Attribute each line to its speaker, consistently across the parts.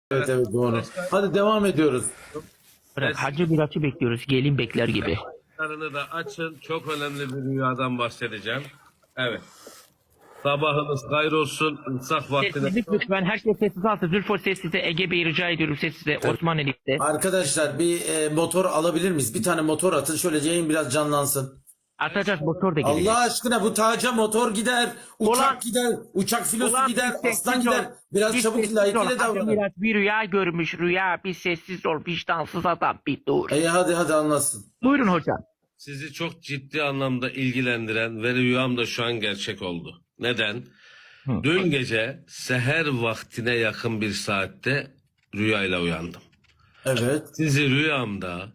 Speaker 1: Evet evet doğru. Hadi devam ediyoruz.
Speaker 2: Bırak, Hacı Miraç'ı bekliyoruz. Gelin bekler gibi.
Speaker 3: Karını da açın. Çok önemli bir rüyadan bahsedeceğim. Evet. Sabahınız hayır olsun. İnsak vaktine.
Speaker 2: Sessizlik lütfen. Herkes sessiz alsın. Zülfo sessize. Ege Bey rica ediyorum sessize. Osman Elif'te.
Speaker 1: Arkadaşlar bir motor alabilir miyiz? Bir tane motor atın. Şöyle yayın biraz canlansın.
Speaker 2: Atacağız, motor da gelecek.
Speaker 1: Allah aşkına bu taca motor gider. Uçak
Speaker 2: Ulan-
Speaker 1: gider. Uçak filosu
Speaker 2: Ulan
Speaker 1: gider.
Speaker 2: bir sessiz
Speaker 1: Aslan
Speaker 2: ol.
Speaker 1: gider. Biraz
Speaker 2: Bir
Speaker 1: çabuk
Speaker 2: sessiz ol.
Speaker 1: layıkıyla
Speaker 2: Hacı
Speaker 1: davranın.
Speaker 2: Miraç bir rüya görmüş. Rüya, bir sessiz ol. Vicdansız adam, bir dur.
Speaker 1: Hadi anlatsın.
Speaker 2: Buyurun hocam.
Speaker 3: Sizi çok ciddi anlamda ilgilendiren ve rüyam da şu an gerçek oldu. Neden? Dün gece seher vaktine yakın bir saatte rüyayla uyandım.
Speaker 1: Evet.
Speaker 3: Sizi rüyamda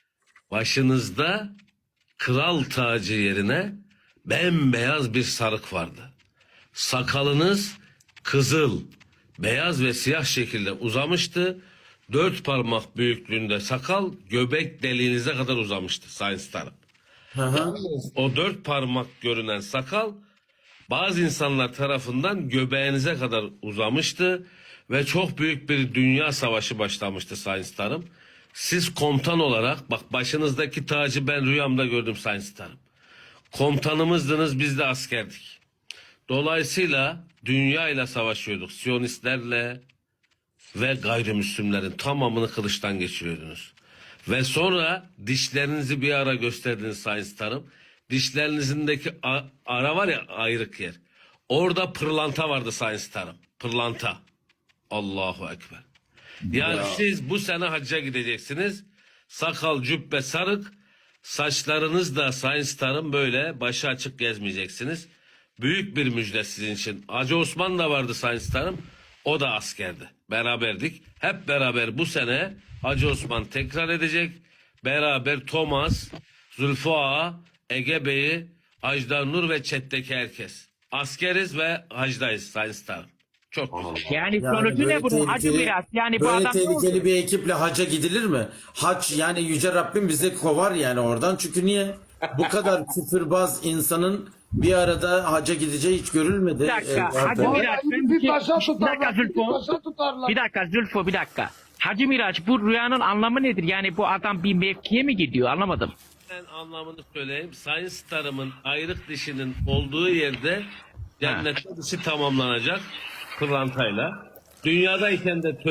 Speaker 3: başınızda kral tacı yerine bembeyaz bir sarık vardı. Sakalınız kızıl, beyaz ve siyah şekilde uzamıştı. 4 parmak büyüklüğünde sakal göbek deliğinize kadar uzamıştı Sayın Starım.
Speaker 1: Hı hı.
Speaker 3: O 4 parmak görünen sakal bazı insanlar tarafından göbeğinize kadar uzamıştı ve çok büyük bir dünya savaşı başlamıştı Sayın Starım. Siz komutan olarak, bak başınızdaki tacı ben rüyamda gördüm Sayın Starım. Komutanımızdınız, biz de askerdik. Dolayısıyla dünya ile savaşıyorduk. Siyonistlerle ve gayrimüslimlerin tamamını kılıçtan geçiriyordunuz. Ve sonra dişlerinizi bir ara gösterdiniz Sayın Starım. Dişlerinizdeki ara var ya, ayrık yer. Orada pırlanta vardı Sayın Starım. Pırlanta. Allahu Ekber. Yani siz bu sene hacca gideceksiniz. Sakal, cübbe, sarık. Saçlarınız da Sayın Starım böyle başı açık gezmeyeceksiniz. Büyük bir müjde sizin için. Hacı Osman da vardı Sayın Starım. O da askerdi. Beraberdik. Hep beraber bu sene Hacı Osman tekrar edecek. Beraber Thomas, Zülfü Ağa, Ege Bey'i, Ajdar Nur ve chat'teki herkes. Askeriz ve hacdayız Sayın Starım. Çok güzel.
Speaker 2: Yani sonucu ne bunun? Hacı Miraç. Yani bu
Speaker 1: böyle
Speaker 2: adam ne oldu?
Speaker 1: tehlikeli bir ekiple hacca gidilir mi? Hac yani Yüce Rabbim bizi kovar yani oradan. Çünkü niye? Bu kadar küfürbaz insanın bir arada hacca gideceği hiç görülmedi.
Speaker 2: Bir dakika.
Speaker 1: Zaten.
Speaker 2: Hacı Miraç.
Speaker 4: Bir taşa
Speaker 2: Bir dakika
Speaker 4: tutarlar, bir
Speaker 2: Zülfo.
Speaker 4: taşa tutarlar.
Speaker 2: Bir dakika Zülfo, bir dakika. Hacı Miraç, bu rüyanın anlamı nedir? Yani bu adam bir mevkiye mi gidiyor? Anlamadım.
Speaker 3: Ben anlamını söyleyeyim. Sayın Starım'ın ayrık dişinin olduğu yerde cennette dişi tamamlanacak pırlantayla. Dünyadayken de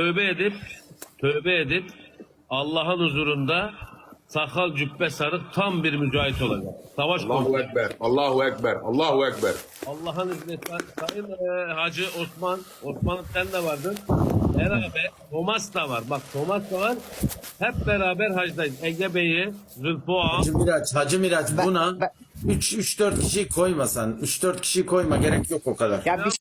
Speaker 3: tövbe edip Allah'ın huzurunda sakal, cübbe, sarık tam bir mücahit olacak. Savaş
Speaker 5: Allahu
Speaker 3: komutanı.
Speaker 5: Ekber, Allahu Ekber, Allahu Ekber.
Speaker 3: Allah'ın izniyle Sayın Hacı Osman'ın sen de vardın. Beraber Thomas da var. Bak Thomas da var. Hep beraber hacdayız. Ege Bey'i, Zülfü Ağa,
Speaker 1: Hacı Miraç buna 3-4 kişi koymasan. 3-4 kişi koyma, gerek yok o kadar.
Speaker 6: Ya bir